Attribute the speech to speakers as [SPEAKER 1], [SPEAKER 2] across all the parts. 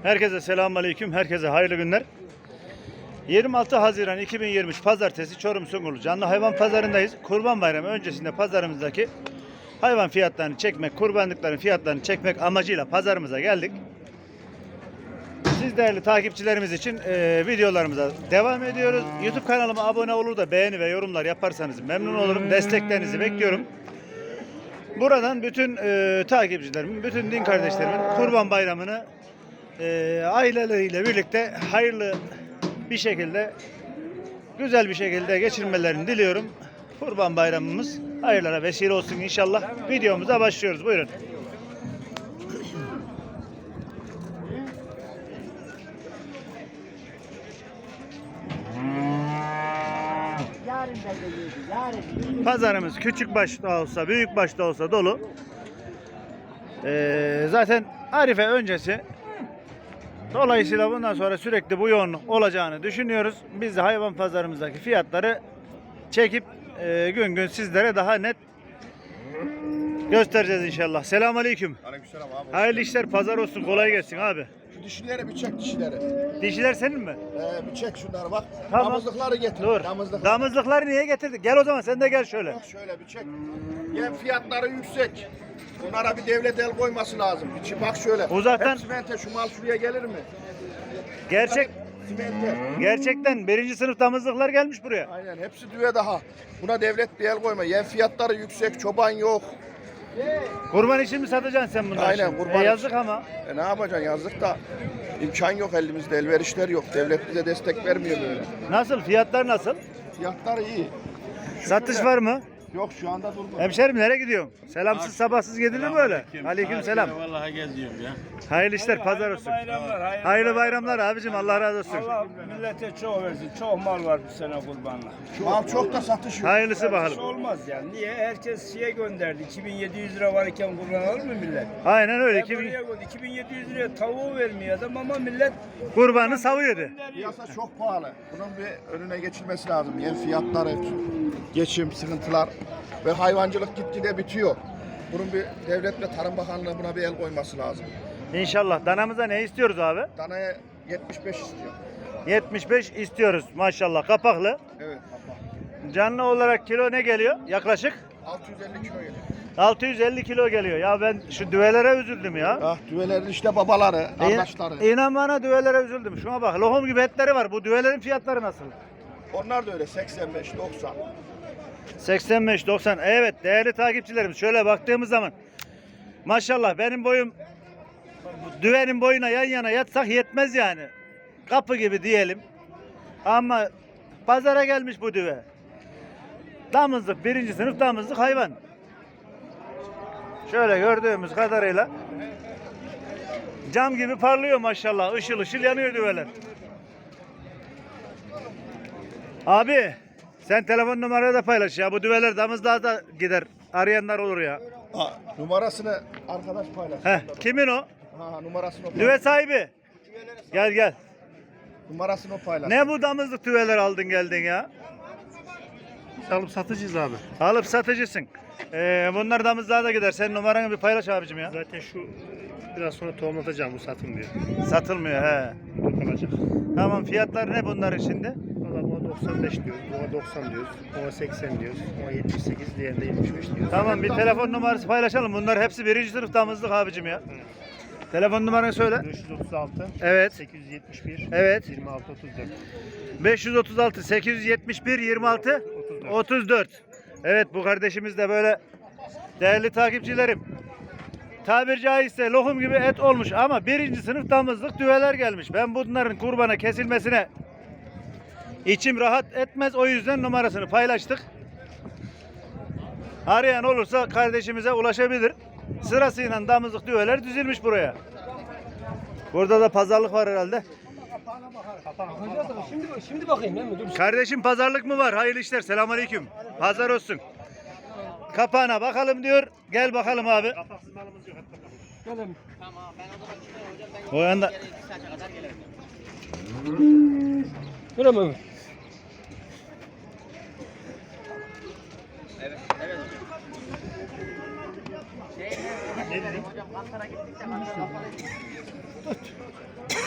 [SPEAKER 1] Herkese selamünaleyküm. Herkese hayırlı günler. 26 Haziran 2023 Pazartesi Çorum Sungurlu Canlı Hayvan Pazarındayız. Kurban Bayramı öncesinde pazarımızdaki hayvan fiyatlarını çekmek, kurbanlıkların fiyatlarını çekmek amacıyla pazarımıza geldik. Siz değerli takipçilerimiz için videolarımıza devam ediyoruz. YouTube kanalıma abone olur da beğeni ve yorumlar yaparsanız memnun olurum. Desteklerinizi bekliyorum. Buradan bütün takipçilerimin, bütün din kardeşlerimin Kurban Bayramı'nı aileleriyle birlikte hayırlı bir şekilde, güzel bir şekilde geçirmelerini diliyorum. Kurban Bayramımız hayırlara vesile olsun inşallah. Videomuza başlıyoruz. Buyurun. Pazarımız küçük başta olsa, büyük başta olsa dolu. Zaten Arife öncesi. Dolayısıyla bundan sonra sürekli bu yoğunluk olacağını düşünüyoruz. Biz de hayvan pazarımızdaki fiyatları çekip gün gün sizlere daha net göstereceğiz inşallah. Selamünaleyküm.
[SPEAKER 2] Aleykümselam abi.
[SPEAKER 1] Hayırlı işler, pazar olsun, kolay gelsin abi.
[SPEAKER 2] Şu dişilere bir çek dişileri.
[SPEAKER 1] Dişiler senin mi?
[SPEAKER 2] Bir çek şunları bak.
[SPEAKER 1] Tamam.
[SPEAKER 2] Damızlıkları getir.
[SPEAKER 1] Dur. Damızlıkları niye getirdik? Gel o zaman sen de gel şöyle.
[SPEAKER 2] Bak şöyle bir çek. Yem fiyatları yüksek. Bunlara bir devlet el koyması lazım. Bak şöyle.
[SPEAKER 1] Uzaktan-
[SPEAKER 2] Hep simente, şu mal şuraya gelir mi? Simente.
[SPEAKER 1] Gerçekten birinci sınıf damızlıklar gelmiş buraya.
[SPEAKER 2] Aynen, hepsi düve daha. Buna devlet bir el koyma. Yem fiyatları yüksek, çoban yok.
[SPEAKER 1] Kurban için mi satacaksın sen bunları?
[SPEAKER 2] Aynen,
[SPEAKER 1] şimdi?
[SPEAKER 2] kurban
[SPEAKER 1] Yazık
[SPEAKER 2] için.
[SPEAKER 1] ama.
[SPEAKER 2] Ne yapacaksın, yazık da imkan yok elimizde, elverişler yok. Devlet bize destek vermiyor böyle.
[SPEAKER 1] Nasıl? Fiyatlar nasıl?
[SPEAKER 2] Fiyatlar iyi.
[SPEAKER 1] Satış var mı?
[SPEAKER 2] Yok, şu anda durgun.
[SPEAKER 1] Hemşerim nereye gidiyorsun? Selamsız sabahsız gidilir böyle. Aleyküm selam.
[SPEAKER 3] Vallahi geziyorum ya.
[SPEAKER 1] Hayırlı işler, pazar olsun.
[SPEAKER 3] Bayramlar,
[SPEAKER 1] Hayırlı bayramlar abicim, Allah razı olsun.
[SPEAKER 3] Allah millete çok versin. Çok mal var bu sene kurbanla.
[SPEAKER 2] Mal çok da satış yok.
[SPEAKER 1] Hayırlısı
[SPEAKER 3] Satış
[SPEAKER 1] bakalım.
[SPEAKER 3] olmaz yani. Niye? Herkes şeye gönderdi. 2700 lira varken kurban alır mı millet?
[SPEAKER 1] Aynen öyle.
[SPEAKER 3] Buraya koydu. 2700 liraya tavuğu vermiyor adam ama millet
[SPEAKER 1] Kurbanı savuyordu.
[SPEAKER 3] gönderiyor.
[SPEAKER 2] Piyasa çok pahalı. Bunun bir önüne geçilmesi lazım. Yem fiyatları, geçim, sıkıntılar ve hayvancılık gitgide bitiyor. Bunun bir devlet ve Tarım Bakanlığı buna bir el koyması lazım.
[SPEAKER 1] İnşallah. Danamıza ne istiyoruz abi?
[SPEAKER 2] Danaya 75 istiyor.
[SPEAKER 1] 75 istiyoruz maşallah. Kapaklı.
[SPEAKER 2] Evet.
[SPEAKER 1] Canlı olarak kilo ne geliyor? Yaklaşık
[SPEAKER 2] 650 kilo geliyor.
[SPEAKER 1] 650 kilo geliyor. Ya ben şu düvelere üzüldüm ya.
[SPEAKER 2] Ah, düvelerin işte babaları, kardeşleri.
[SPEAKER 1] İnan bana düvelere üzüldüm. Şuna bak, lohum gibi etleri var. Bu düvelerin fiyatları nasıl?
[SPEAKER 2] Onlar da öyle 85, 90.
[SPEAKER 1] 85-90. Evet değerli takipçilerimiz, şöyle baktığımız zaman maşallah benim boyum düvenin boyuna yan yana yatsak yetmez yani. Kapı gibi diyelim. Ama pazara gelmiş bu düve. Damızlık, birinci sınıf damızlık hayvan. Şöyle gördüğümüz kadarıyla cam gibi parlıyor maşallah. Işıl ışıl yanıyor düveler. Abi sen telefon numarayı da paylaş ya. Bu düveler damızlığa da gider. Arayanlar olur ya.
[SPEAKER 2] Numarasını arkadaş paylaş.
[SPEAKER 1] Kimin o?
[SPEAKER 2] Numarasını o paylaş.
[SPEAKER 1] Düve sahibi. Gel gel.
[SPEAKER 2] Numarasını o paylaş.
[SPEAKER 1] Ne bu damızlık düveler aldın geldin ya?
[SPEAKER 4] Alıp satıcıyız abi.
[SPEAKER 1] Alıp satıcısın. Bunlar damızlığa da gider. Sen numaranı bir paylaş abicim ya.
[SPEAKER 4] Zaten şu biraz sonra tohumlatacağım, bu satılmıyor.
[SPEAKER 1] Satılmıyor he.
[SPEAKER 4] Kalacak.
[SPEAKER 1] Tamam, fiyatlar ne bunların şimdi?
[SPEAKER 4] Valla buna 95 diyoruz, buna 90 diyoruz, buna 80 diyoruz, buna 78, diğerinde 75 diyoruz.
[SPEAKER 1] Tamam, bir telefon numarası paylaşalım. Bunlar hepsi birinci sınıf damızlık abicim ya. Telefon numaranı söyle.
[SPEAKER 4] 536,
[SPEAKER 1] Evet.
[SPEAKER 4] 871,
[SPEAKER 1] Evet.
[SPEAKER 4] 26, 34.
[SPEAKER 1] 536 871 26 34. Evet, bu kardeşimiz de böyle değerli takipçilerim. Tabiri caizse lohum gibi et olmuş ama birinci sınıf damızlık düveler gelmiş. Ben bunların kurbana kesilmesine içim rahat etmez. O yüzden numarasını paylaştık. Arayan olursa kardeşimize ulaşabilir. Sırasıyla damızlık düveler dizilmiş buraya. Burada da pazarlık var herhalde.
[SPEAKER 5] Şimdi bakayım ben mi? Dur.
[SPEAKER 1] Kardeşim pazarlık mı var? Hayırlı işler. Selamünaleyküm. Pazar olsun. Kapağına bakalım diyor. Gel bakalım abi.
[SPEAKER 4] Kapaksız malımız yok, hep kapalı.
[SPEAKER 5] Gelelim.
[SPEAKER 1] O yanda.
[SPEAKER 5] Öyle mi?
[SPEAKER 4] Ne dedik?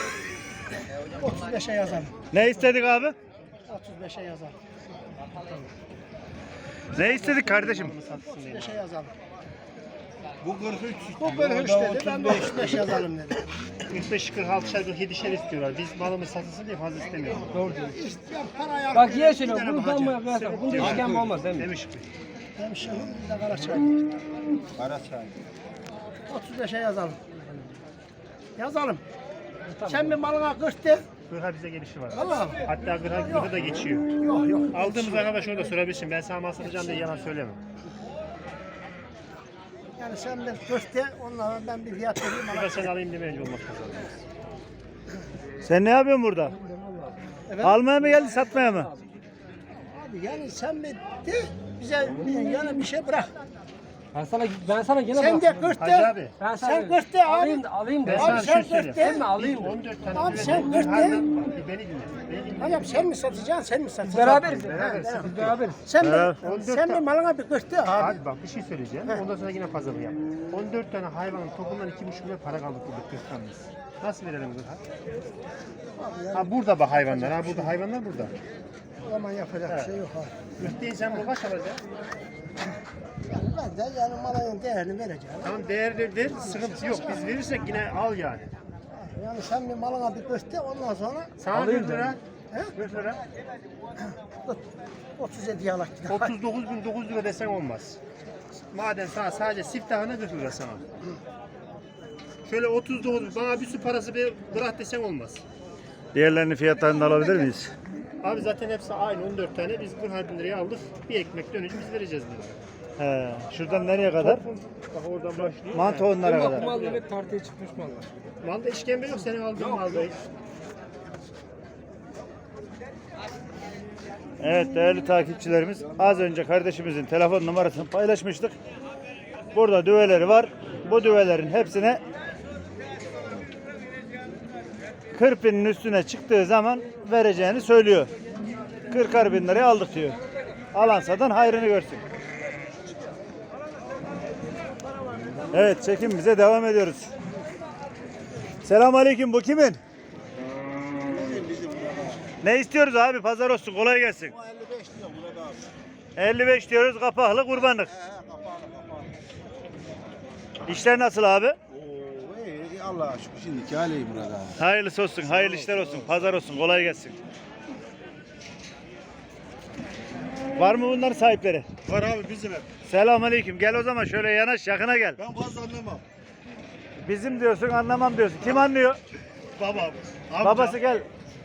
[SPEAKER 5] 35'e yazalım.
[SPEAKER 1] Ne istedik abi?
[SPEAKER 5] 35'e yazalım.
[SPEAKER 1] Ne istedik kardeşim?
[SPEAKER 5] 35'e yazalım.
[SPEAKER 2] Bu 43.
[SPEAKER 5] Bu 43 dedi. Ben de 35 yazalım dedim.
[SPEAKER 4] 45, 46, 47'şer istiyorlar. Biz malımız satılsın diye fazla istemiyoruz.
[SPEAKER 5] Doğru diyor. Bak ye şöyle. Bunu ben bu yapacağım. Bunda işkembe olmaz değil mi?
[SPEAKER 4] Demiş ki.
[SPEAKER 5] Demişim. Bir de Karaçay.
[SPEAKER 2] Karaçay.
[SPEAKER 5] 35'e yazalım. Yazalım. Sen bir malına 40 de.
[SPEAKER 4] Gırha bize gelişi var.
[SPEAKER 5] Allah'ım.
[SPEAKER 4] Hatta gırha da geçiyor.
[SPEAKER 5] Yok yok.
[SPEAKER 4] Aldığımız arkadaş orada sorabilirsin. Ben sana mal satacağım diye yalan söylemem.
[SPEAKER 5] Yani sen bir 40 de. Onlara ben bir fiyat vereyim.
[SPEAKER 4] Bir de sen alayım demeyince olmaz pazarda.
[SPEAKER 1] Sen ne yapıyorsun burada?
[SPEAKER 5] Evet.
[SPEAKER 1] Almaya mı geldin, satmaya mı?
[SPEAKER 5] Abi yani sen bir de bize yani bir şey bırak.
[SPEAKER 6] Ben sana gene
[SPEAKER 5] Sen de 40
[SPEAKER 4] Hacı
[SPEAKER 5] de.
[SPEAKER 4] abi.
[SPEAKER 5] Sen 40 de abi.
[SPEAKER 6] alayım
[SPEAKER 4] Ben
[SPEAKER 6] de.
[SPEAKER 4] sana
[SPEAKER 5] Abi
[SPEAKER 4] bir
[SPEAKER 5] sen
[SPEAKER 4] şey söyleyeyim.
[SPEAKER 5] 40 de.
[SPEAKER 6] Sen mi alayım de?
[SPEAKER 4] 14 tane
[SPEAKER 5] Abi
[SPEAKER 4] üretim
[SPEAKER 5] sen 40 de.
[SPEAKER 4] Beni dinle. Beni dinle.
[SPEAKER 5] Hocam sen mi satacaksın, sen mi satacaksın?
[SPEAKER 6] Beraberiz.
[SPEAKER 4] Beraberiz.
[SPEAKER 6] Biz beraberiz.
[SPEAKER 5] Sen
[SPEAKER 1] Evet.
[SPEAKER 5] sen bir malına bir 40 de abi.
[SPEAKER 4] Abi bak bir şey söyleyeceğim. Ondan sonra yine pazarı yap. 14 tane hayvanın topundan 2,5 milyon para kaldık burada 40 tanesi. Nasıl verelim gırha? Ha burada bak hayvanlar. Ha burada hayvanlar burada.
[SPEAKER 5] O zaman yapacak bir şey yok abi.
[SPEAKER 4] Müfteyi sen bunu kaç alacaksın?
[SPEAKER 5] Yani ben de yani malının değerini vereceğim.
[SPEAKER 4] Tamam değerlidir. Sıkıntı yok. Biz verirsek yine al yani.
[SPEAKER 5] Yani sen bir malına bir 40 de ondan sonra
[SPEAKER 4] Sana 40 lira.
[SPEAKER 5] He?
[SPEAKER 4] 40 lira.
[SPEAKER 5] 37 yalak gider.
[SPEAKER 4] 39.900 lira desen olmaz. Madem sana sadece siftahına 40 lira sana. Şöyle 39 bana bir su parası bir bırak desen olmaz.
[SPEAKER 1] Diğerlerinin fiyatlarını da alabilir miyiz?
[SPEAKER 4] Abi zaten hepsi aynı 14 tane. Biz 40 bin liraya aldık. Bir ekmek dönünce biz vereceğiz bunları.
[SPEAKER 1] He, şuradan nereye kadar?
[SPEAKER 4] Bak oradan başlıyor.
[SPEAKER 1] Mantı onlara
[SPEAKER 6] Bu
[SPEAKER 1] kadar.
[SPEAKER 6] mal demek tartıya çıkmış mallar.
[SPEAKER 4] Malda işkembe yok. Senin aldığın malda hiç.
[SPEAKER 1] Evet değerli takipçilerimiz, az önce kardeşimizin telefon numarasını paylaşmıştık. Burada düveleri var. Bu düvelerin hepsine 40 binin üstüne çıktığı zaman vereceğini söylüyor. 40'ar bin liraya aldık diyor. Alan satan hayrını görsün. Evet çekimimize devam ediyoruz. Selamünaleyküm, bu kimin? Ne istiyoruz abi? Pazar olsun, kolay gelsin.
[SPEAKER 2] 55 diyor burada abi.
[SPEAKER 1] 55 diyoruz, kapaklı kurbanlık. İşler nasıl abi?
[SPEAKER 2] Oo, iyi Allah'a şükür şimdiki hali burada.
[SPEAKER 1] Hayırlısı olsun, hayırlı işler olsun, pazar olsun, kolay gelsin. Var mı bunların sahipleri?
[SPEAKER 2] Var abi bizim hep.
[SPEAKER 1] Selamünaleyküm. Gel o zaman şöyle yanaş, yakına gel.
[SPEAKER 2] Ben fazla anlamam.
[SPEAKER 1] Bizim diyorsun, anlamam diyorsun. Kim anlıyor?
[SPEAKER 2] Babam.
[SPEAKER 1] Babası gel.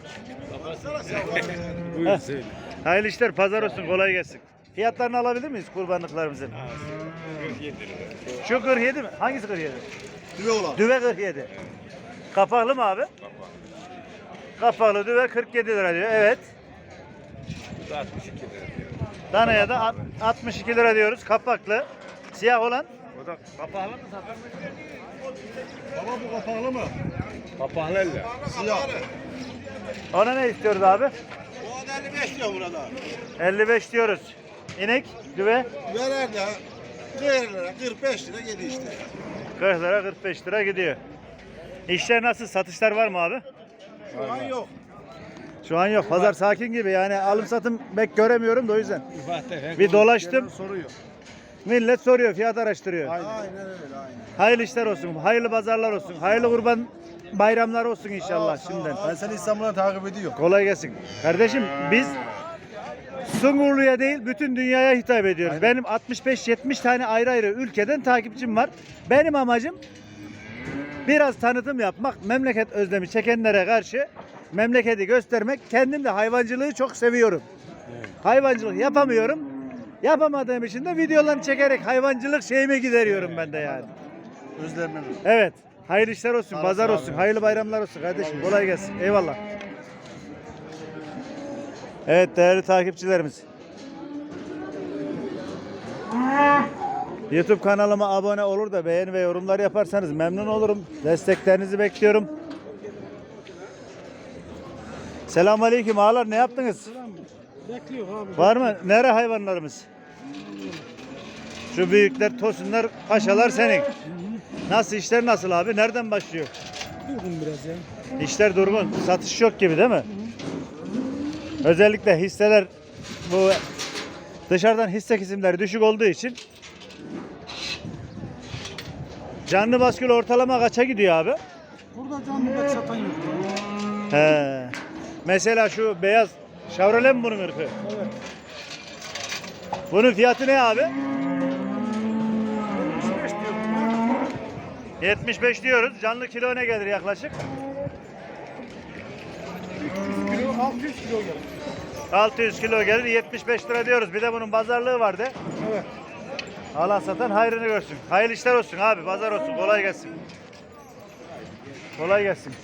[SPEAKER 2] Buyur
[SPEAKER 1] Heh.
[SPEAKER 2] söyle.
[SPEAKER 1] Hayırlı işler, pazar olsun, kolay gelsin. Fiyatlarını alabilir miyiz kurbanlıklarımızın?
[SPEAKER 2] 47 lira.
[SPEAKER 1] Şu 47 mi? Hangisi 47?
[SPEAKER 2] Düve olan.
[SPEAKER 1] Düve 47. Kapaklı mı abi? Kapaklı düve 47 lira diyor. Evet.
[SPEAKER 2] 62 lira.
[SPEAKER 1] Danaya da 62 lira diyoruz. Kapaklı. Siyah olan?
[SPEAKER 2] O da kapağlı mı zaten? Baba bu kapağlı mı? Kapağlı elle. Siyah.
[SPEAKER 1] Ona ne istiyoruz abi?
[SPEAKER 2] O da 55 diyor burada.
[SPEAKER 1] 55 diyoruz. İnek, düve
[SPEAKER 2] Verer de değerlere 45 lira gidiyor işte.
[SPEAKER 1] 40 lira 45 lira gidiyor. İşler nasıl? Satışlar var mı abi?
[SPEAKER 2] Şu an yok.
[SPEAKER 1] Şu an yok. Pazar sakin gibi. Yani alım satım pek göremiyorum da o yüzden. Bir dolaştım.
[SPEAKER 2] Soruyor.
[SPEAKER 1] Millet soruyor, fiyat araştırıyor.
[SPEAKER 2] Aynen öyle aynen.
[SPEAKER 1] Hayırlı işler olsun, hayırlı pazarlar olsun, hayırlı kurban bayramlar olsun inşallah şimdiden.
[SPEAKER 2] Ben seni İstanbul'dan takip ediyorum.
[SPEAKER 1] Kolay gelsin. Kardeşim biz Sungurlu'ya değil bütün dünyaya hitap ediyoruz. Benim 65-70 tane ayrı ayrı ülkeden takipçim var. Benim amacım biraz tanıtım yapmak, memleket özlemi çekenlere karşı memleketi göstermek. Kendim de hayvancılığı çok seviyorum. Hayvancılık yapamıyorum. Yapamadığım için de videolarını çekerek hayvancılık şeyime gideriyorum ben de yani.
[SPEAKER 2] Özlemem.
[SPEAKER 1] Evet. Hayırlı işler olsun, pazar
[SPEAKER 2] sağ
[SPEAKER 1] olsun,
[SPEAKER 2] olun.
[SPEAKER 1] hayırlı bayramlar olsun kardeşim. Kolay gelsin. Eyvallah. Evet değerli takipçilerimiz. YouTube kanalıma abone olur da beğeni ve yorumlar yaparsanız memnun olurum. Desteklerinizi bekliyorum. Selamünaleyküm ağalar, ne yaptınız?
[SPEAKER 5] Bekliyor abi.
[SPEAKER 1] Var mı? Nere hayvanlarımız? Şu büyükler, tosunlar, paşalar senin. Nasıl işler nasıl abi? Nereden başlıyor?
[SPEAKER 6] Durgun biraz ya.
[SPEAKER 1] İşler durgun. Satış yok gibi değil mi? Özellikle hisseler bu dışarıdan hisse kesimleri düşük olduğu için canlı baskül ortalama kaça gidiyor abi?
[SPEAKER 6] Burada canlı bak satan yok.
[SPEAKER 1] He. Mesela şu beyaz Chevrolet mi bunun ırkı?
[SPEAKER 6] Evet.
[SPEAKER 1] Bunun fiyatı ne abi? 75 diyoruz. Canlı kilo ne gelir yaklaşık?
[SPEAKER 6] 600 kilo gelir.
[SPEAKER 1] 600 kilo gelir. 75 lira diyoruz. Bir de bunun pazarlığı vardı.
[SPEAKER 6] Evet.
[SPEAKER 1] Alan satan hayrını görsün. Hayırlı işler olsun abi. Pazar olsun. Kolay gelsin. Kolay gelsin.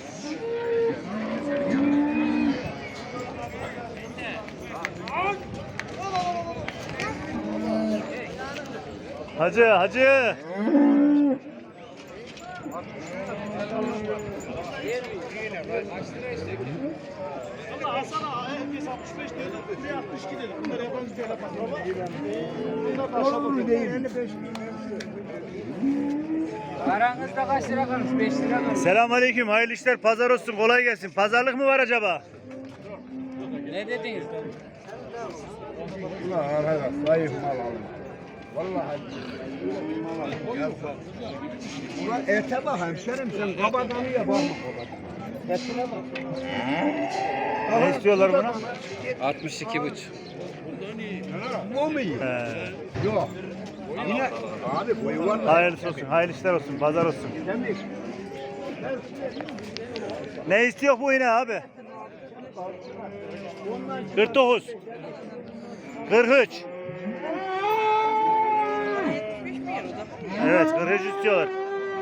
[SPEAKER 1] Hacı.
[SPEAKER 3] Aranızda kaç lira kalmış? 5 lira kalmış.
[SPEAKER 1] Selamünaleyküm. Hayırlı işler. Pazar olsun. Kolay gelsin. Pazarlık mı var acaba?
[SPEAKER 3] Ne dediniz?
[SPEAKER 5] Ete bak hemşerim sen kabadanıya bakma. Etine bak.
[SPEAKER 1] Ne istiyorlar buna?
[SPEAKER 3] 62,5.
[SPEAKER 5] Bu mu iyi?
[SPEAKER 1] He.
[SPEAKER 5] Yok. Yine abi boyu var.
[SPEAKER 1] Hayırlısı olsun. Hayırlı işler olsun. Pazar olsun. Ne istiyor bu yine abi? 49. 43. Evet 43 istiyorlar.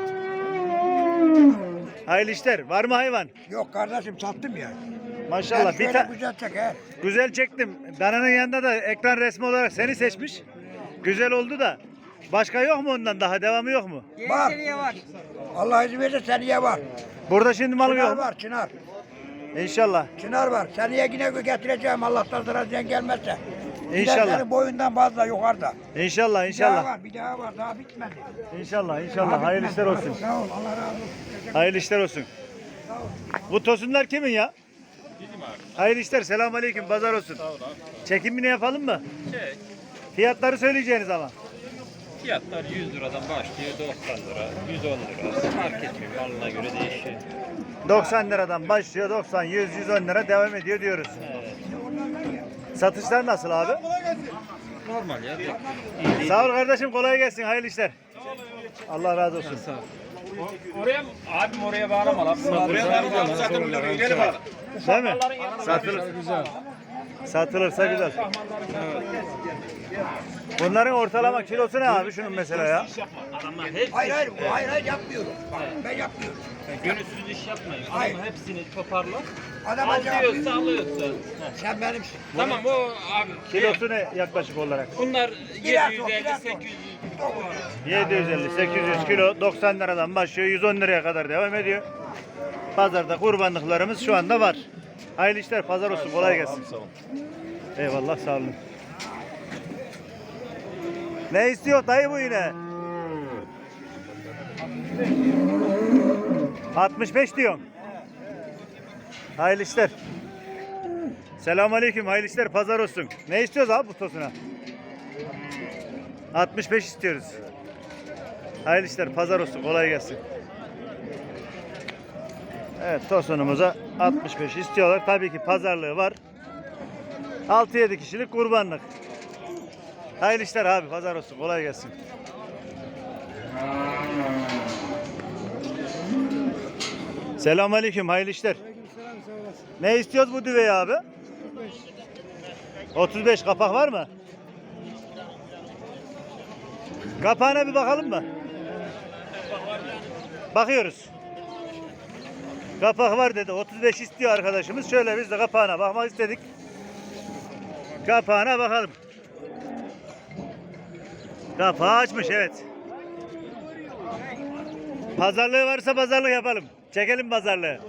[SPEAKER 1] Hayırlı işler. Var mı hayvan?
[SPEAKER 5] Yok kardeşim sattım ya.
[SPEAKER 1] Maşallah. Bir
[SPEAKER 5] güzel çeker.
[SPEAKER 1] güzel çektim. Dananın yanında da ekran resmi olarak seni seçmiş. Güzel oldu da. Başka yok mu ondan daha? Devamı yok mu?
[SPEAKER 5] Var. Allah izin verirse seneye var.
[SPEAKER 1] Burada şimdi malım
[SPEAKER 5] Çınar
[SPEAKER 1] yok mu?
[SPEAKER 5] var çınar.
[SPEAKER 1] İnşallah.
[SPEAKER 5] Çınar var. Seneye yine getireceğim Allah'tan sıra sen gelmezse.
[SPEAKER 1] İnşallah.
[SPEAKER 5] Senin boyundan fazla yukarıda.
[SPEAKER 1] İnşallah
[SPEAKER 5] Bir daha
[SPEAKER 1] inşallah.
[SPEAKER 5] var, bir daha var. Daha bitmedi.
[SPEAKER 1] İnşallah inşallah. Hayırlı işler olsun.
[SPEAKER 5] Sağ ol. Allah razı olsun.
[SPEAKER 1] Hayırlı işler olsun. Bu tosunlar kimin ya? Bizim abi. Hayırlı işler. Selamünaleyküm. Pazar olsun. Sağ ol abi. Çekimini yapalım mı?
[SPEAKER 7] Çek.
[SPEAKER 1] Fiyatları söyleyeceğiniz ama.
[SPEAKER 7] Fiyatlar 100 liradan başlıyor 90 lira, 110 lira. Fark etmiyor. Alına göre değişiyor.
[SPEAKER 1] 90 liradan başlıyor. 90, 100, 110 lira devam ediyor diyoruz. Satışlar nasıl abi?
[SPEAKER 7] Normal ya.
[SPEAKER 1] Sağ ol kardeşim. Kolay gelsin. Hayırlı işler. Allah razı olsun.
[SPEAKER 7] Oraya abim oraya bağlama lan. Oraya bağlama. Zaten bunları ileri bağla.
[SPEAKER 1] Değil mi? Satılır. Satılırsa güzel. Bunların ortalama kilosu ne abi şunun mesela ya?
[SPEAKER 7] Adamlar hepsi
[SPEAKER 5] Hayır yapmıyorum. Bak, ben yapmıyorum.
[SPEAKER 7] gönülsüz iş yapmayın.
[SPEAKER 5] Hayır.
[SPEAKER 7] Adamlar hepsini toparla.
[SPEAKER 5] Adam
[SPEAKER 7] Al
[SPEAKER 5] acaba
[SPEAKER 7] diyorsa alıyorsun.
[SPEAKER 5] sen benimsin.
[SPEAKER 7] Tamam o abi.
[SPEAKER 1] Kilosu ne yaklaşık olarak?
[SPEAKER 7] Bunlar
[SPEAKER 5] Biraz
[SPEAKER 7] 750
[SPEAKER 5] o.
[SPEAKER 7] 800.
[SPEAKER 1] 750, 800 kilo 90 liradan başlıyor 110 liraya kadar devam ediyor. Pazarda kurbanlıklarımız şu anda var. Hayırlı işler, pazar olsun, kolay gelsin. Eyvallah, sağ olun. Ne istiyor dayı bu yine? 65 diyorum. Hayırlı işler. Selamünaleyküm, hayırlı işler, pazar olsun. Ne istiyoruz abi bu tosuna? 65 istiyoruz. Hayırlı işler, pazar olsun, kolay gelsin. Evet, tosunumuza 65 istiyorlar. Tabii ki pazarlığı var. 6-7 kişilik kurbanlık. Hayırlı işler abi, pazar olsun, kolay gelsin. Selamünaleyküm, hayırlı işler. Ne istiyoruz bu düveyi abi? 35 kapak var mı? Kapağına bir bakalım mı? Bakıyoruz. Kapak var dedi. 35 istiyor arkadaşımız. Şöyle biz de kapağına bakmak istedik. Kapağına bakalım. Kapağı açmış, evet. Pazarlığı varsa pazarlık yapalım. Çekelim pazarlığı.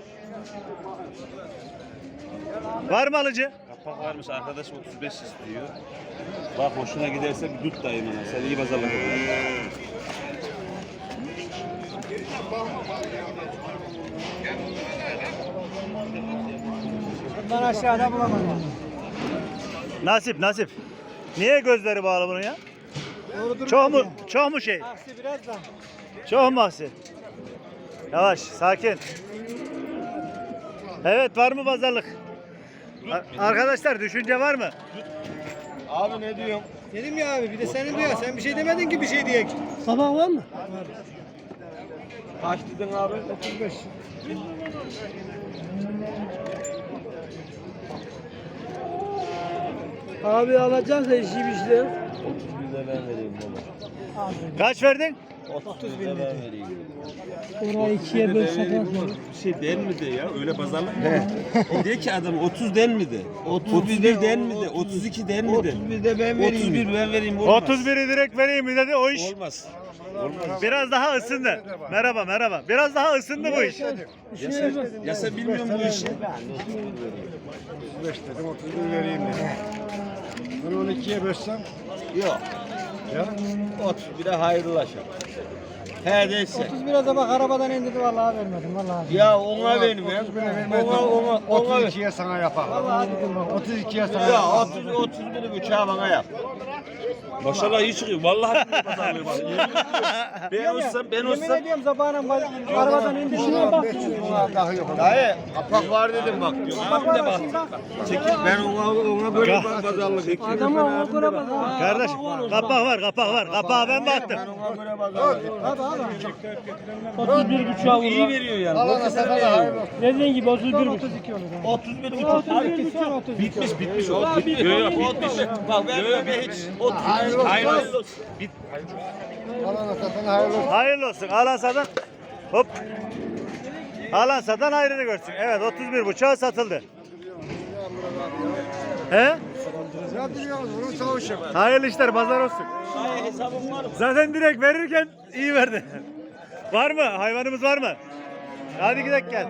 [SPEAKER 1] Var mı alıcı?
[SPEAKER 8] Kapak varmış arkadaş 35 istiyor. Bak hoşuna giderse bir tut dayım ona. Sen iyi pazarlık olur.
[SPEAKER 6] Bundan aşağıda bulamadım.
[SPEAKER 1] Nasip nasip. Niye gözleri bağlı bunun ya? Çok mu şey?
[SPEAKER 6] Aksi biraz da.
[SPEAKER 1] Çok mu aksi? Yavaş, sakin. Evet, var mı pazarlık? Arkadaşlar düşünce var mı?
[SPEAKER 8] Abi ne diyorsun?
[SPEAKER 6] Dedim ya abi bir de senin diyor. Sen bir şey demedin ki bir şey diye. Sabah var mı?
[SPEAKER 8] Kaç dedin abi?
[SPEAKER 6] 35. Abi alacaksa işi bir şey.
[SPEAKER 8] 31'de ben vereyim baba.
[SPEAKER 1] Kaç verdin?
[SPEAKER 8] 31'de ben vereyim.
[SPEAKER 6] Orayı ikiye bölsek
[SPEAKER 8] Bir şey den mi de ya? Öyle pazarlık mı? De ki adam 30 den mi de? 31 den mi de? 32 den mi de?
[SPEAKER 3] 31'de ben vereyim.
[SPEAKER 8] 31 ben vereyim olmaz.
[SPEAKER 1] 31'i direkt vereyim mi dedi o iş.
[SPEAKER 8] Olmaz.
[SPEAKER 1] Biraz daha ısındı. Merhaba merhaba. Biraz daha ısındı bu iş.
[SPEAKER 8] Ya sen bilmiyor musun bu işi?
[SPEAKER 6] 35 dedim 31 vereyim dedim. Bunu 12'ye bölsem.
[SPEAKER 3] Yok.
[SPEAKER 6] Ya.
[SPEAKER 3] 31'e hayırlılaşa. He değilse.
[SPEAKER 6] 31'e de bak arabadan indirdi vallahi vermedim vallahi.
[SPEAKER 3] Ya ona benim ya.
[SPEAKER 6] 31'e vermedim.
[SPEAKER 3] Ona ver.
[SPEAKER 6] 32'ye sana yapar. Vallahi hadi bak 32'ye sana
[SPEAKER 3] Ya
[SPEAKER 6] yapar.
[SPEAKER 3] 31'i bıçağı bana yap.
[SPEAKER 8] Maşallah iyi çıkıyor. Vallahi bir pazarlığı var. Ben
[SPEAKER 6] Yemin
[SPEAKER 8] olsam
[SPEAKER 6] ediyorum sabahına arabadan indi şuna bak.
[SPEAKER 3] Dayı kapak var dedim bak diyor. Abim de bak. Çekil ben ona böyle pazarlık ettim.
[SPEAKER 6] Adamı ona göre bak.
[SPEAKER 1] Kardeş kapak var kapak var. Kapağa ben baktım.
[SPEAKER 3] Ben ona göre pazarlık ettim.
[SPEAKER 6] Hadi hadi.
[SPEAKER 9] 31 buçuğa
[SPEAKER 8] iyi
[SPEAKER 9] vurma.
[SPEAKER 8] veriyor yani.
[SPEAKER 6] Allah'ına sana hayırlı olsun.
[SPEAKER 9] Dediğin gibi 31 buçuk.
[SPEAKER 6] 32 olur.
[SPEAKER 3] 31 buçuk.
[SPEAKER 6] 31 buçuk 32.
[SPEAKER 8] Bitmiş o. Bitmiş. Yok yok bitmiş.
[SPEAKER 3] Bak ben hiç.
[SPEAKER 8] Hayırlı olsun.
[SPEAKER 6] Allah'ına sana hayırlı olsun.
[SPEAKER 1] Hayırlı olsun. Alan satan. Hop. Alan satan hayrını görsün. Evet 31 buçuğa satıldı. He?
[SPEAKER 6] Ne duruyorsunuz? Bunun savaşı.
[SPEAKER 1] Hayırlı işler pazar olsun.
[SPEAKER 3] Dayı hesabım var mı?
[SPEAKER 1] Zaten direkt verirken iyi verdi. Var mı? Hayvanımız var mı? Hadi gidelim gel.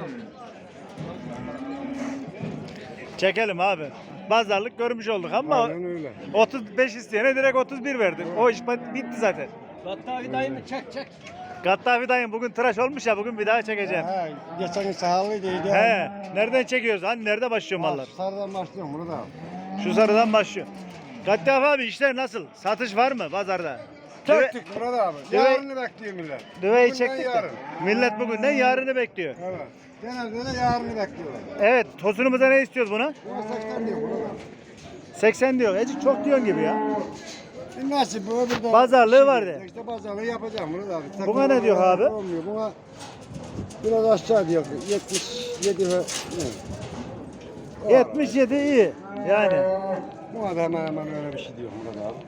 [SPEAKER 1] Çekelim abi. Pazarlık görmüş olduk ama
[SPEAKER 6] öyle.
[SPEAKER 1] 35 isteyene direkt 31 verdi. O iş bitti zaten.
[SPEAKER 3] Gattavi dayını çek.
[SPEAKER 1] Gattafi dayım bugün tıraş olmuş ya bugün bir daha çekeceğim.
[SPEAKER 6] He, geçen gün sağlıydı.
[SPEAKER 1] He, nereden çekiyoruz? Hani nerede başlıyor mallar?
[SPEAKER 6] Sarıdan başlıyorum bunu da.
[SPEAKER 1] Şu sarıdan başlıyor. Gattafi abi işler nasıl? Satış var mı pazarda? Düve,
[SPEAKER 6] Çektik burada abi.
[SPEAKER 1] Düve-
[SPEAKER 6] Yarını bekliyor millet.
[SPEAKER 1] düveyi
[SPEAKER 6] Bugünden
[SPEAKER 1] çektik de.
[SPEAKER 6] yarın.
[SPEAKER 1] Millet bugünden yarını bekliyor.
[SPEAKER 6] Evet. Genelde de yarını bekliyorlar.
[SPEAKER 1] Evet, tosunumuza ne istiyoruz buna?
[SPEAKER 6] Buna 80 diyor burada.
[SPEAKER 1] 80 diyor. Ecik çok diyorsun gibi ya.
[SPEAKER 6] Nasip bu öbür de.
[SPEAKER 1] Pazarlığı var de.
[SPEAKER 6] İşte pazarlığı yapacağım bunu da abi.
[SPEAKER 1] Buna ne diyor abi?
[SPEAKER 6] Olmuyor. Buna biraz aşağı diyor. 77 ve ne?
[SPEAKER 1] 77 iyi. Yani.
[SPEAKER 6] Buna da hemen öyle bir şey diyor burada abi.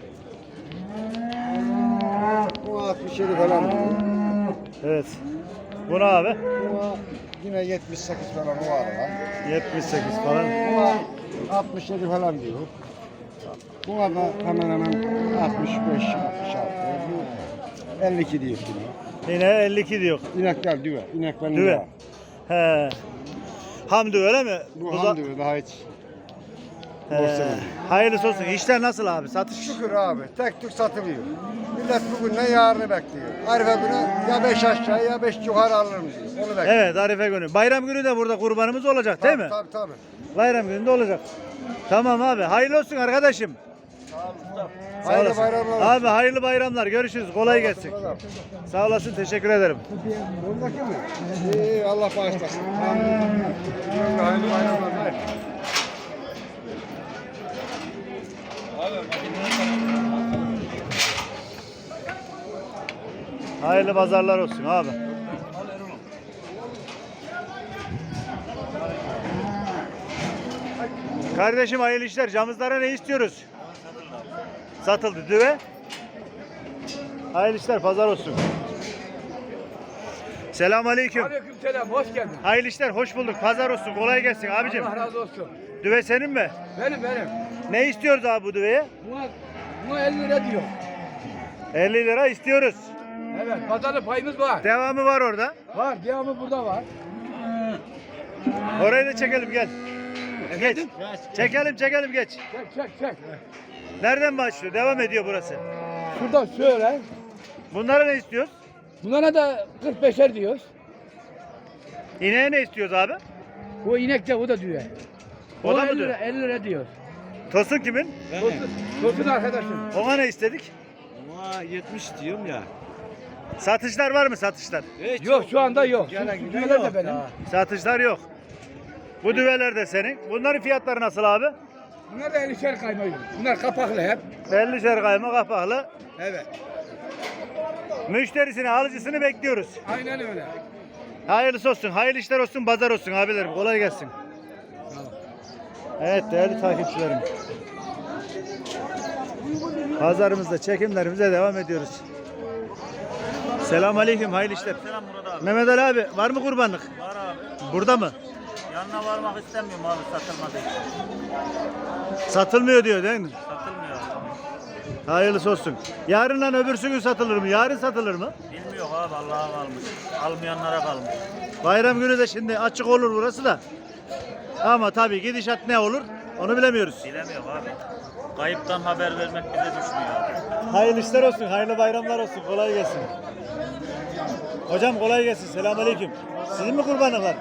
[SPEAKER 6] Buna 67 falan diyor.
[SPEAKER 1] Evet. Buna abi
[SPEAKER 6] Buna yine 78 falan o arada.
[SPEAKER 1] 78 falan.
[SPEAKER 6] Buna 67 falan diyor. Buna da hemen 65, 66, 52 diyor şimdi.
[SPEAKER 1] Yine 52 diyor.
[SPEAKER 6] İnekler düve. İneklerin
[SPEAKER 1] Düve.
[SPEAKER 6] düve.
[SPEAKER 1] He. Hamdi öyle mi?
[SPEAKER 6] Bu
[SPEAKER 1] da-
[SPEAKER 6] ham düve daha hiç.
[SPEAKER 1] He. Hayırlısı olsun. İşler nasıl abi? Satış?
[SPEAKER 6] Şükür abi. Tek tük satılıyor. Millet bugünden yarını bekliyor. Arife günü ya 5 aşağı ya 5 yukarı alırım diyor. Onu bekliyor.
[SPEAKER 1] Evet Arife günü. Bayram günü de burada kurbanımız olacak değil mi?
[SPEAKER 6] Tabii.
[SPEAKER 1] Bayram günü de olacak. Tamam abi. Hayırlı olsun arkadaşım. Sağ
[SPEAKER 6] Hayırlı
[SPEAKER 1] olasın.
[SPEAKER 6] bayramlar olsun.
[SPEAKER 1] Abi hayırlı bayramlar. Görüşürüz. Kolay gelsin. Sağ olasın. Teşekkür ederim.
[SPEAKER 6] Buradaki mi? İyi Allah bağışlasın. Hayırlı bayramlar. Hayır.
[SPEAKER 1] Hayırlı pazarlar olsun abi. Kardeşim hayırlı işler. Camızlara ne istiyoruz? Satıldı. Düve. Hayırlı işler. Pazar olsun. Selamünaleyküm.
[SPEAKER 3] Aleykümselam hoş geldin.
[SPEAKER 1] Hayırlı işler. Hoş bulduk. Pazar olsun. Kolay gelsin abicim.
[SPEAKER 3] Allah razı olsun.
[SPEAKER 1] Düve senin mi?
[SPEAKER 3] Benim.
[SPEAKER 1] Ne istiyoruz abi bu düveye?
[SPEAKER 3] Buna 50 lira diyor.
[SPEAKER 1] 50 lira istiyoruz.
[SPEAKER 3] Evet pazarda payımız var.
[SPEAKER 1] Devamı var orada.
[SPEAKER 3] Var devamı burada var.
[SPEAKER 1] Orayı da çekelim gel. Geç. Çekelim geç.
[SPEAKER 3] Çek.
[SPEAKER 1] Nereden başlıyor? Devam ediyor burası.
[SPEAKER 3] Şurada şöyle.
[SPEAKER 1] Bunlara ne istiyoruz?
[SPEAKER 3] Bunlara da 45'er diyoruz.
[SPEAKER 1] İneğe ne istiyoruz abi?
[SPEAKER 9] O inek de o da düve.
[SPEAKER 1] O da mı
[SPEAKER 9] 50 lira,
[SPEAKER 1] diyor?
[SPEAKER 9] 50 lira diyor.
[SPEAKER 1] Tosun kimin?
[SPEAKER 9] Tosun arkadaşım.
[SPEAKER 1] Ona ne istedik?
[SPEAKER 8] Ama 70 diyorum ya.
[SPEAKER 1] Satışlar var mı satışlar?
[SPEAKER 9] Yok şu anda yok. Şu düveler de benim.
[SPEAKER 1] Satışlar yok. Bu düveler de senin. Bunların fiyatları nasıl abi?
[SPEAKER 9] Bunlar da 50'şer kayma. Bunlar kapaklı hep.
[SPEAKER 1] 50'şer kayma kapaklı.
[SPEAKER 9] Evet.
[SPEAKER 1] Müşterisini, alıcısını bekliyoruz.
[SPEAKER 9] Aynen öyle.
[SPEAKER 1] Hayırlısı olsun, hayırlı işler olsun, pazar olsun abilerim. Kolay gelsin. Evet değerli takipçilerim. Pazarımızda çekimlerimize devam ediyoruz. Selamünaleyküm, hayırlı işler.
[SPEAKER 3] Selam Murat abi.
[SPEAKER 1] Mehmet Ali abi, var mı kurbanlık?
[SPEAKER 3] Var abi.
[SPEAKER 1] Burada mı?
[SPEAKER 3] Yanına varmak istemiyorum abi satılmadığı için.
[SPEAKER 1] Satılmıyor diyor değil mi?
[SPEAKER 3] Satılmıyor abi.
[SPEAKER 1] Hayırlısı olsun. Yarından öbürsü gün satılır mı? Yarın satılır mı?
[SPEAKER 3] Bilmiyor abi Allah'a kalmış. Almayanlara kalmış.
[SPEAKER 1] Bayram günü de şimdi açık olur burası da. Ama tabii gidişat ne olur onu bilemiyoruz.
[SPEAKER 3] Bilemiyor abi. Kayıptan haber vermek bize düşmüyor abi.
[SPEAKER 1] Hayırlı işler olsun, hayırlı bayramlar olsun. Kolay gelsin. Hocam kolay gelsin. Selamünaleyküm. Sizin mi kurbanlıklar?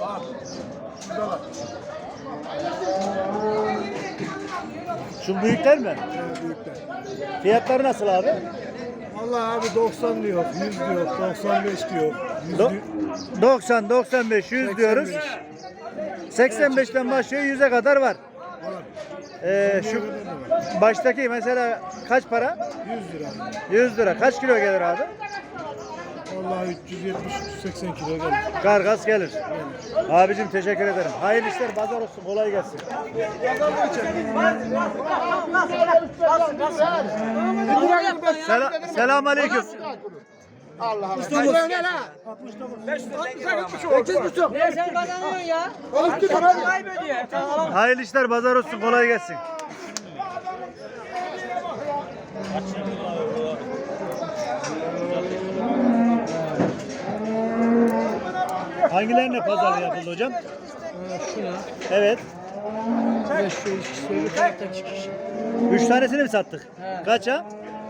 [SPEAKER 1] Şu büyükler mi?
[SPEAKER 6] Büyükler.
[SPEAKER 1] Fiyatları nasıl abi?
[SPEAKER 6] Vallahi abi 90 diyor, 100 diyor, 95 diyor. 100
[SPEAKER 1] Do-
[SPEAKER 6] diyor.
[SPEAKER 1] 90, 95, 100 diyoruz. 85'ten başlıyor 100'e kadar var. Şu baştaki mesela kaç para?
[SPEAKER 6] 100 lira.
[SPEAKER 1] 100 lira. Kaç kilo gelir abi?
[SPEAKER 6] Vallahi 370-380 kilo gelir.
[SPEAKER 1] Kargas gelir. Abicim teşekkür ederim. Hayırlı işler, pazar olsun. Kolay gelsin. Selam aleyküm.
[SPEAKER 5] Ne sen kazanıyorsun ya? Kaybediyor.
[SPEAKER 1] Hayırlı işler, pazar olsun. Kolay gelsin. Hangilerine pazarlığı yapıldı hocam?
[SPEAKER 5] Şuna.
[SPEAKER 1] Evet.
[SPEAKER 5] Ve şu ikisi öbür tarafta çıkış.
[SPEAKER 1] 3 tanesini mi sattık? Kaça?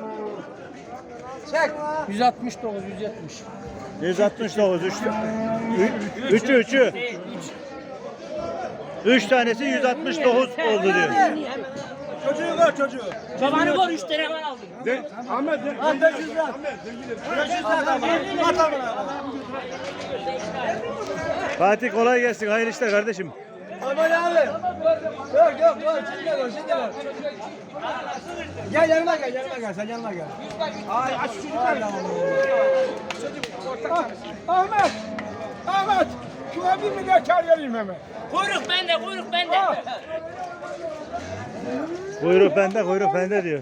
[SPEAKER 5] 169, 170.
[SPEAKER 1] 169. 3'ü. 3 tanesi 169 oldu diyor.
[SPEAKER 3] Çocuğu var çocuğu.
[SPEAKER 5] Babanı var 3 tane var aldım.
[SPEAKER 1] Fatih kolay gelsin. Hayırlı işler kardeşim.
[SPEAKER 5] Aman abi. Yok. Şimdi gel. Gel yanıma gel. Sen yanıma gel. Ay aç şu çocuklar.
[SPEAKER 9] Ahmet. Şuna bir milyar kar vereyim hemen.
[SPEAKER 5] Kuyruk bende.
[SPEAKER 1] Kuyruk bende diyor.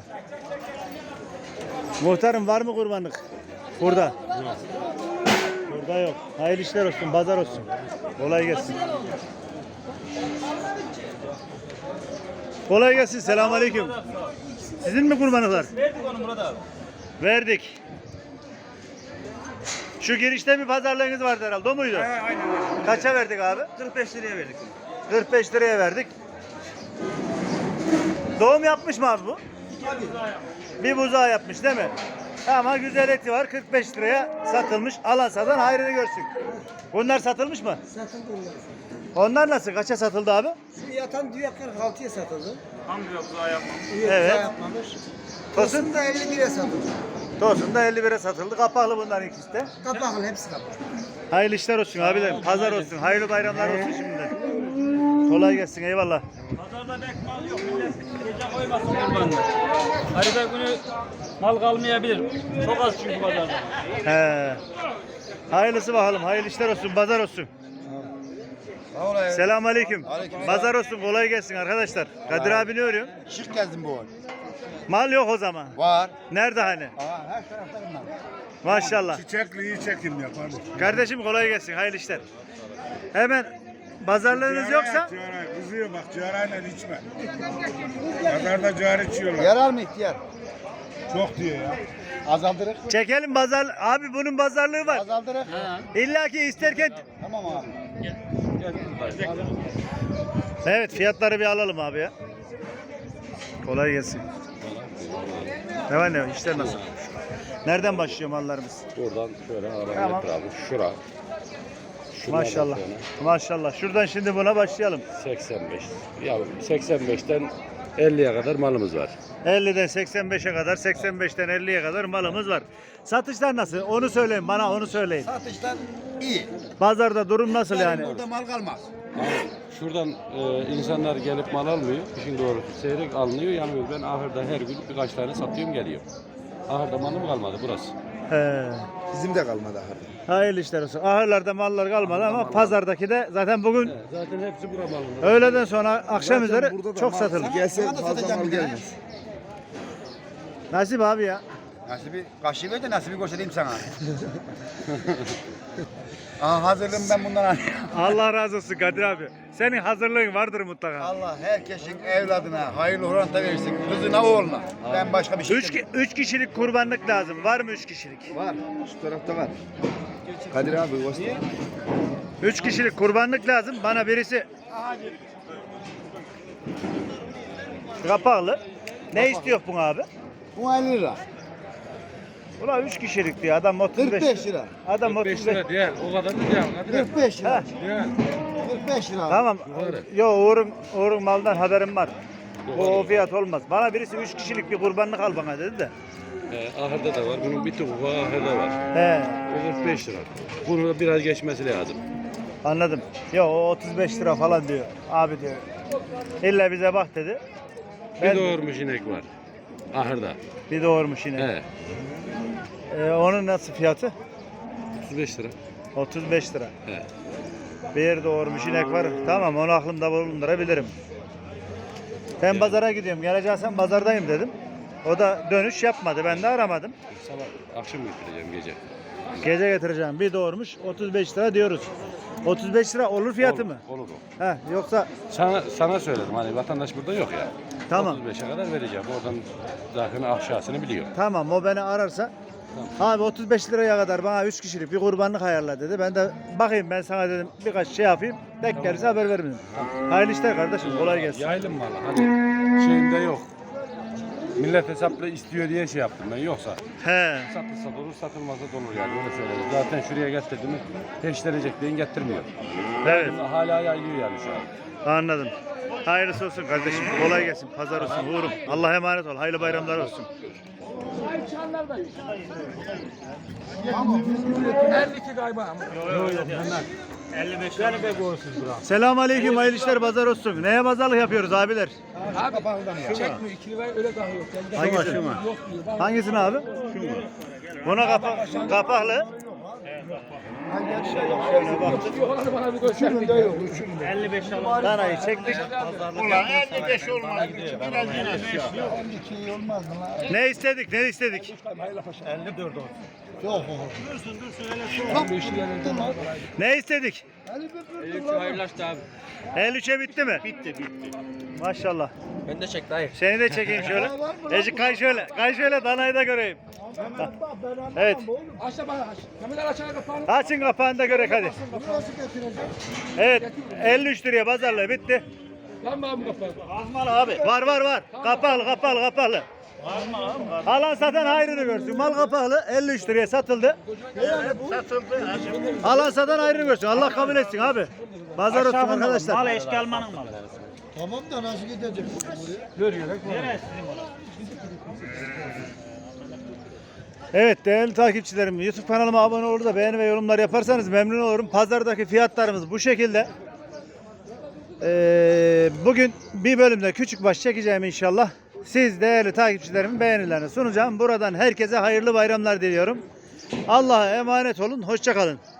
[SPEAKER 1] Muhtarım var mı kurbanlık? Burada. Burada yok. Hayırlı işler olsun, pazar olsun. Kolay gelsin. Kolay gelsin. Selamünaleyküm. Sizin mi kurbanlıklar?
[SPEAKER 3] Verdik onu Murat abi.
[SPEAKER 1] Verdik. Şu girişte bir pazarlığınız vardı herhalde. O muydu?
[SPEAKER 3] Aynen öyle.
[SPEAKER 1] Kaça verdik abi?
[SPEAKER 3] 45 liraya verdik.
[SPEAKER 1] 45 liraya verdik. Doğum yapmış mı abi bu? Bir buzağı yapmış değil mi? Ama güzel eti var. 45 liraya satılmış. Alan satan hayrını görsün. Bunlar satılmış mı?
[SPEAKER 5] Satıldı onlar.
[SPEAKER 1] Onlar nasıl? Kaça satıldı abi?
[SPEAKER 5] Şu yatan düğe 46'ya satıldı.
[SPEAKER 3] Hamdi yok daha yapmamış.
[SPEAKER 1] Evet.
[SPEAKER 5] Yapmamış.
[SPEAKER 1] Tosun,
[SPEAKER 5] Tosun da 51'e satıldı.
[SPEAKER 1] Tosun da 51'e satıldı. Kapaklı bunların ikisi de.
[SPEAKER 5] Kapaklı hepsi kapaklı.
[SPEAKER 1] Hayırlı işler olsun abilerim. Pazar olsun. Hayırlı bayramlar olsun şimdiden. Kolay gelsin. Eyvallah.
[SPEAKER 7] Pazarda pek mal yok. Millet gece koymasın kurbanını. Arada günü mal kalmayabilir. Çok az çünkü pazarda.
[SPEAKER 1] He. Hayırlısı bakalım. Hayırlı işler olsun. Pazar olsun. Selamünaleyküm. Pazar olsun. Kolay gelsin arkadaşlar. Kadir abi ne örüyor?
[SPEAKER 6] Şık gezdim bu.
[SPEAKER 1] Mal yok o zaman.
[SPEAKER 6] Var.
[SPEAKER 1] Nerede hani?
[SPEAKER 6] Her tarafta bunlar.
[SPEAKER 1] Maşallah.
[SPEAKER 6] Çiçekliği çekim yap hadi.
[SPEAKER 1] Kardeşim kolay gelsin. Hayırlı işler. Hemen pazarlığınız yoksa
[SPEAKER 6] Kızıyor bak ciğerayla içme. Pazarda ciğer içiyorlar.
[SPEAKER 2] Yarar mı ihtiyar?
[SPEAKER 6] Çok diyor ya.
[SPEAKER 2] Azaldırır.
[SPEAKER 1] çekelim pazar. Abi bunun pazarlığı var.
[SPEAKER 2] Azaldırır.
[SPEAKER 1] İlla ki isterken.
[SPEAKER 2] Tamam abi.
[SPEAKER 1] Evet fiyatları bir alalım abi ya. Kolay gelsin. Ne var ne var? İşler nasıl? Nereden başlıyor mallarımız?
[SPEAKER 8] Buradan şöyle arabaya
[SPEAKER 1] Tamam.
[SPEAKER 8] getir abi. Şura.
[SPEAKER 1] Maşallah. Maşallah. Şuradan şimdi buna başlayalım.
[SPEAKER 10] 85. Ya 85'ten 50'ye kadar malımız var.
[SPEAKER 1] 50'den 85'e kadar, 85'ten 50'ye kadar malımız var. Satışlar nasıl? Onu söyleyin bana, onu söyleyin.
[SPEAKER 3] Satışlar iyi.
[SPEAKER 1] Pazarda durum nasıl yani?
[SPEAKER 3] Burada mal kalmaz.
[SPEAKER 10] Şuradan insanlar gelip mal almıyor. İşin doğrusu seyrek alınıyor. Yani ben ahırda her gün birkaç tane satıyorum geliyor. Ahırda malım kalmadı burası.
[SPEAKER 1] He.
[SPEAKER 2] Bizim de kalmadı ahırda.
[SPEAKER 1] Hayırlı işler olsun. Ahırlarda mallar kalmadı ama pazardaki de zaten bugün
[SPEAKER 10] Zaten hepsi bura malında.
[SPEAKER 1] öğleden sonra akşam üzeri çok satıldı.
[SPEAKER 2] Gelse fazla mal gelmez.
[SPEAKER 1] Nasip abi ya.
[SPEAKER 3] Nasibi kaşığı ver de nasibi göstereyim sana. Aha hazırlığım ben bundan alıyorum.
[SPEAKER 1] Allah razı olsun Kadir abi. Senin hazırlığın vardır mutlaka.
[SPEAKER 3] Allah herkesin evladına hayırlı oranda versin. Kızına oğluna. Ben başka bir şey
[SPEAKER 1] Üç kişilik kurbanlık lazım. Var mı 3 kişilik?
[SPEAKER 2] Var. Şu tarafta var. Kadir abi göster.
[SPEAKER 1] 3 kişilik kurbanlık lazım. Bana birisi kapaklı. Ne istiyor bu abi?
[SPEAKER 2] Bu 50 lira.
[SPEAKER 1] Ulan 3 kişilik diyor. Adam 35
[SPEAKER 2] 45 lira.
[SPEAKER 1] Adam
[SPEAKER 10] 45
[SPEAKER 1] 35.
[SPEAKER 10] lira değil. O kadar da değil.
[SPEAKER 2] 45 lira.
[SPEAKER 1] Ha,
[SPEAKER 2] 45 lira.
[SPEAKER 1] tamam. Yo Uğur'un maldan haberim var. Bu o fiyat olmaz. Bana birisi 3 kişilik bir kurbanlık al bana dedi de.
[SPEAKER 10] Ahırda da var. Bunun bir tuğba ahırda var.
[SPEAKER 1] He,
[SPEAKER 10] O 45 lira. Bunu da biraz geçmesi lazım.
[SPEAKER 1] anladım. Yo o 35 lira falan diyor. Abi diyor. İlla bize bak dedi.
[SPEAKER 10] Bir doğurmuş inek var. Ahırda.
[SPEAKER 1] Bir doğurmuş yine. Onun nasıl fiyatı?
[SPEAKER 10] 35 lira.
[SPEAKER 1] 35 lira.
[SPEAKER 10] He.
[SPEAKER 1] Bir doğurmuş inek var. Tamam onu aklımda bulundurabilirim. Ben pazara gidiyorum. Geleceksen pazardayım dedim. O da dönüş yapmadı. Ben de aramadım.
[SPEAKER 10] Sabah akşam götüreceğim gece.
[SPEAKER 1] Gece getireceğim. Bir doğurmuş 35 lira diyoruz. 35 lira olur fiyatı mı?
[SPEAKER 10] Olur o.
[SPEAKER 1] He, yoksa
[SPEAKER 10] Sana söyledim hani vatandaş burada yok ya.
[SPEAKER 1] tamam.
[SPEAKER 10] 35'e kadar vereceğim. Oradan zaten aşağısını biliyor.
[SPEAKER 1] Tamam o beni ararsa abi 35 liraya kadar bana 3 kişilik bir kurbanlık ayarla dedi. Ben de bakayım ben sana dedim birkaç şey yapayım. Denk gelirse haber veririm dedim. Hayırlı işler kardeşim kolay gelsin.
[SPEAKER 10] Yaylım malı hani şeyinde yok. Millet hesapla istiyor diye şey yaptım ben yoksa.
[SPEAKER 1] He.
[SPEAKER 10] Satılsa da olur satılmasa da olur yani öyle söyledim. Zaten şuraya getirdim mi peşlenecek deyin getirmiyor.
[SPEAKER 1] Evet.
[SPEAKER 10] Hala yaylıyor yani şu an.
[SPEAKER 1] Anladım. Hayırlısı olsun kardeşim. Kolay gelsin. Pazar olsun. Uğurum. Allah'a emanet ol. Hayırlı bayramlar olsun.
[SPEAKER 9] 52 galiba.
[SPEAKER 1] Selamun aleyküm. Hayırlı işler. Pazar olsun. Neye pazarlık yapıyoruz abiler?
[SPEAKER 9] Abi çekmiyor 2 liraya öyle kalıyor.
[SPEAKER 1] Hangisi? Hangisini abi? Buna kapaklı. Şöyle baktık.
[SPEAKER 9] Olanı bana bir göster.
[SPEAKER 1] Danayı çektik.
[SPEAKER 2] Ulan 55 olmaz.
[SPEAKER 1] Ne istedik? Ne istedik?
[SPEAKER 9] 54 olsun.
[SPEAKER 1] Ne istedik?
[SPEAKER 7] Hayırlı işler abi.
[SPEAKER 1] 53'e bitti mi?
[SPEAKER 7] Bitti.
[SPEAKER 1] Maşallah.
[SPEAKER 7] Ben de çek dayı.
[SPEAKER 1] Seni de çekeyim şöyle. Ecik kay şöyle. Kay şöyle danayı da göreyim. Evet.
[SPEAKER 9] Aç da bana aç. Kameralar açana kapağını.
[SPEAKER 1] Açın kapağını da görek hadi. Evet. 53 liraya pazarlığı bitti.
[SPEAKER 9] Lan bana bu kapağı.
[SPEAKER 1] Var. Kapaklı. Alan satan hayrını görsün. Mal kapaklı 53 liraya satıldı. Alan satan hayrını görsün. Allah kabul etsin abi. Pazar olsun arkadaşlar.
[SPEAKER 7] Mal eşki almanın malı.
[SPEAKER 2] Tamam da nasıl gidecek
[SPEAKER 1] Evet değerli takipçilerim, YouTube kanalıma abone olur da beğeni ve yorumlar yaparsanız memnun olurum. Pazardaki fiyatlarımız bu şekilde. Bugün bir bölümde küçük baş çekeceğim inşallah. Siz değerli takipçilerimin beğenilerini sunacağım. Buradan herkese hayırlı bayramlar diliyorum. Allah'a emanet olun. Hoşça kalın.